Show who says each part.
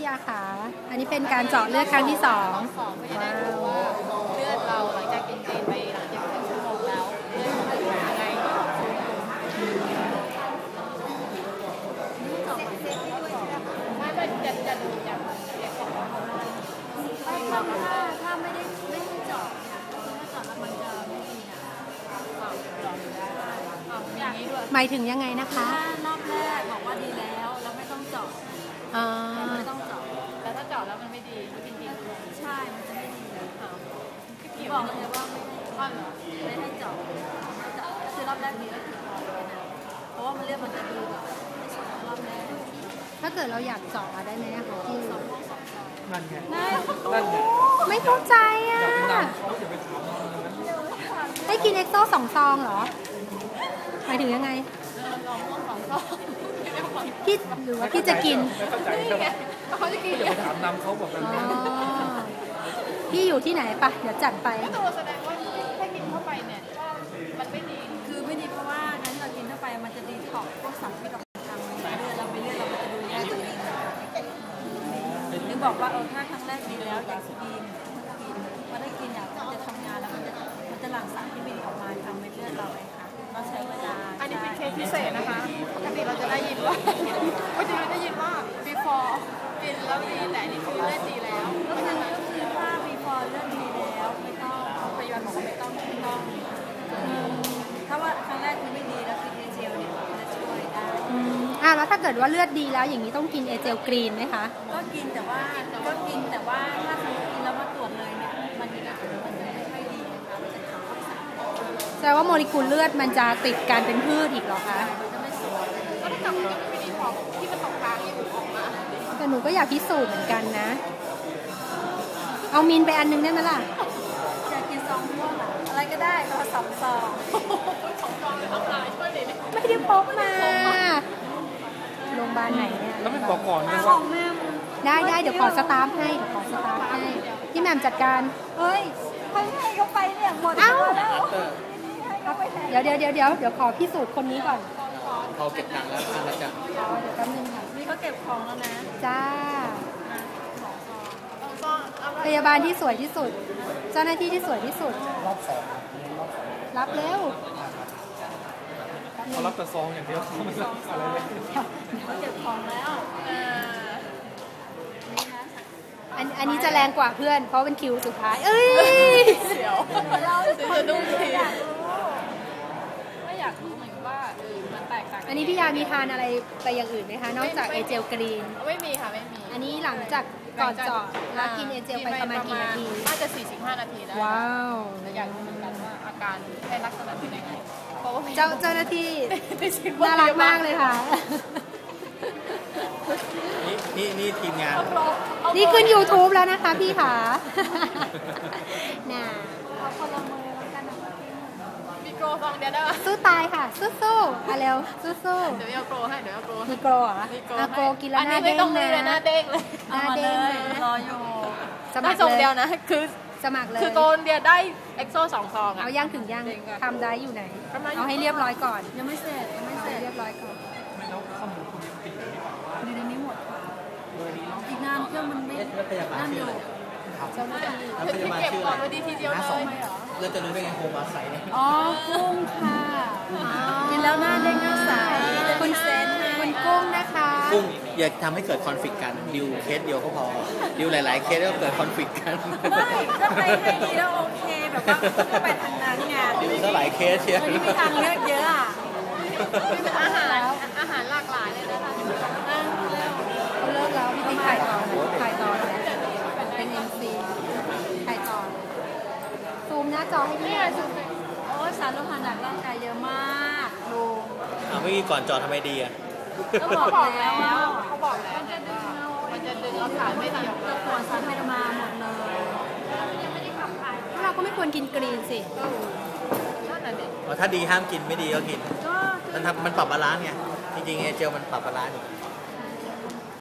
Speaker 1: พี่อาขาอันนี้เป็นการเจาะเลือดครั้งที่2
Speaker 2: ไม่ได้รู้ว่าเลือดเราหลังจากกินเจนไปหลังจาก1 ชั่วโมงแล้วเลือดมันเป็นยังไงไม่จะดูจาก
Speaker 3: ถ้าไม่ได้เจาะถ้าเจาะแล้วมันจะไม่ดีนะ
Speaker 2: อย่างนี้ด้วย
Speaker 1: หมายถึงยังไงนะคะ
Speaker 3: รอบแรกบอกว่าดีแล้วไม่ต้องเจาะไม่ต้องเจาะ
Speaker 2: แต่ถ้าเจาะแล้วมันไม่ดีจริง
Speaker 3: ๆใช่มันจะไม่ดี
Speaker 2: พี่
Speaker 3: บอกเลยว่าไม่ให้เจาะคือรอบแรกดีแล้วถึงเพราะว่ามันเลือดมันจะดูแบบไม่สมรอบแรก
Speaker 1: ถ้าเกิดเราอยากเจาะได้ไหมคะพี่
Speaker 4: นั่นไง
Speaker 1: ไม่เข้าใจอ่ะให้กินเอ็กโซ2 ซองเหรอหมายถึงยังไงพี่หรือว่าพี่จะกิน
Speaker 2: เขาจะกิน
Speaker 4: เดี๋ยวไปถามนำเขาบอกกัน
Speaker 1: พี่อยู่ที่ไหนปะเดี๋ยวจัดไป
Speaker 2: ก็ตัวแสดงว่าถ้ากินเข้าไปเนี่ยมันไม่ดี
Speaker 3: คือไม่ดีเพราะว่างั้นเรากินเข้าไปมันจะดีท็อกพวกสารพิษต่างๆในเลือดเราไปเลือดเราจะดูแลตัวเองหรือบอกว่าถ้าครั้งแรกดีแล้วอยากกินพอได้กินเนี่ยมันจะทำงานแล้วมันจะหลั่งสารที่ไม่ดีออกมาทำให้เลือดเราเลยค่ะเราใช้เวลา
Speaker 2: อันนี้เป็นเคสพิเศษนะคะปกติเราจะได้ยินว่าbefore กินแล้วดีแต่นี่คือเลือดดีแล้ว
Speaker 3: ก็คือถ้า before เลือดดีแล้วไม่ต้องพยาบาลบอกว่าไม่ต้องถ้าว่าครั้งแรกคือไม่ดีแล้วกินเอเจลเนี่ยจะช่วยได้
Speaker 1: แล้วถ้าเกิดว่าเลือดดีแล้วอย่างนี้ต้องกินเอเจลกรีนไหมคะ
Speaker 3: ก็กินแต่ว่าถ้าสมมติกินแล้วมาตรวจเลยเนี่ยมันจะไม่ค่อยดีนะคะมันจะทำให้สาร
Speaker 1: แสดงว่าโมเลกุลเลือดมันจะติดการเป็นพืชอีกเหรอคะ
Speaker 3: จะไม่สวย
Speaker 2: ก็ถ้ากับมันไม่ดีพอที่มันตกค้างอยู่ออกมา
Speaker 1: แต่หนูก็อยากพิสูจน์เหมือนกันนะเอามินไปอันนึงได้ไหมล่ะ
Speaker 3: อยากกินซองม่วงอะไรก็ได้แต่ว่า2 ซอง
Speaker 2: ต้องลายช่วยเลย
Speaker 1: ไม่ได้พกมาโรงพยาบาลไหนเนี่ย
Speaker 4: แล้วไม่บอกก่อน
Speaker 3: นะ
Speaker 4: ว่า
Speaker 1: ได้เดี๋ยวขอสตาร์ฟให้พี่แหม่มจัดการ
Speaker 3: เฮ้ยให้เขาไปเนี่ยหมด
Speaker 1: แล้วเดี๋ยวขอพิสูจน์คนนี้ก่อน
Speaker 4: เขาเก็บตังค์แล้วทานแล้วจ้ะ
Speaker 1: เดี๋ยวแป๊บนึงค่ะ
Speaker 3: นี่เขาเก็บของแล้วนะ
Speaker 1: จ้าพยาบาลที่สวยที่สุดเจ้าหน้าที่ที่สวยที่สุด
Speaker 4: รอบ2
Speaker 1: รับเร็ว
Speaker 4: เขารับแต่ซองอย่างเดียวเขาไม่รับอะไรเลย
Speaker 3: เขาเก็บของแล้ว
Speaker 1: อันนี้จะแรงกว่าเพื่อนเพราะเป็นคิวสุดท้าย
Speaker 2: เสียวเราจะดูทีไม่อยากรู้เหมือนว่ามันแตกต่าง
Speaker 1: อันนี้พี่ยามีทานอะไรไปอย่างอื่นไหมคะนอกจากเอเจลกรีน
Speaker 2: ไม่มีค่ะไม่มี
Speaker 1: อันนี้หลังจากก่อนเจาะแล้วกินเอเจลไปประมาณกี่นาที
Speaker 2: น่าจะ45 นาทีได้
Speaker 1: ว้าว
Speaker 2: อยากรู้เหมือนกันว่าอาการในลักษณะเป็นยังไง
Speaker 1: เจ้าหน้าที่น่ารักมากเลยค่ะ
Speaker 4: นี่ทีมงาน
Speaker 1: นี่ขึ้น YouTube แล้วนะคะพี่ค่ะน่ะ
Speaker 3: เอาคนละมือแล้วกันนะ
Speaker 2: มีโกรฟังเดียวได้ไหม
Speaker 1: สู้ตายค่ะสู้ๆเร็วสู้
Speaker 2: ๆเดี๋ยวเอาโกรให้เดี๋ยวเอาโกร
Speaker 1: มีโกรเหรอโกรกินแล้วหน้าเด้ง
Speaker 2: นะหน้าเด้งเลย
Speaker 1: หน้าเด้ง
Speaker 3: รออยู่
Speaker 1: สมัคร
Speaker 2: เลยเดียวนะคือ
Speaker 1: สมัครเลย
Speaker 2: คือโกนเดียวได้เอ็กโซ2 ซอง
Speaker 1: เอาย่างถึงย่างทำได้อยู่ไหนเอาให้เรียบร้อยก่อน
Speaker 3: ยังไม่เสร็จ
Speaker 1: เรียบร้อยก่อน
Speaker 4: ไม่แล้วข้อมูลคุณยังติดอยู่หรือเปล่า
Speaker 3: อยู่ในนี้หมดอีกนานเครื่องมันไม่นั่นอยู่
Speaker 1: เจ้าหน้า
Speaker 2: ที่เก็บก่อนพอดีทีเดียวเลย
Speaker 4: เราจะรู้ได้ไงโฮมาใสเนี่ย
Speaker 1: กุ้งค่ะ
Speaker 3: กินแล้วหน้าเด้งหน้าใส
Speaker 1: คุณเซนคุณกุ้งนะคะ
Speaker 4: กุ้งอย่าทำให้เกิดคอนฟ lict กันดิวเคสเดียวก็พอดิวหลายๆเคสก็เกิดคอนฟ lict กัน
Speaker 3: ไม่ก็ไปให้ดีแล้วโอเคแบบว่าก็ไปทางนั้นไง
Speaker 4: ดิวก็หลายเคสเชียว
Speaker 3: มีทางเลือกเยอะอ่ะ
Speaker 2: อาหารหลากหลายเลยนะคะ
Speaker 1: เลิกแล้วพี่ติ๊กถ่ายต่อเป็น MC ถ่ายต่อซูมหน้าจอให้พี่
Speaker 3: โอ้สารโลหะหนักร่างกายเยอะมากลุง
Speaker 4: เมื่อกี้ก่อนจอทำไมดีอ่ะ
Speaker 3: ก็บอกแล้ว
Speaker 2: เขาบอกแล้วมันจะดึงเราขาไม่ดี
Speaker 3: จะปวดสารไฮดมาหมดเลย
Speaker 1: เราก็ไม่ควรกินกรีนสิ
Speaker 4: ถ้าดีห้ามกินไม่ดีก็กินมันปรับบาลานซ์ไงจริงๆเจลมันปรับบาลานซ์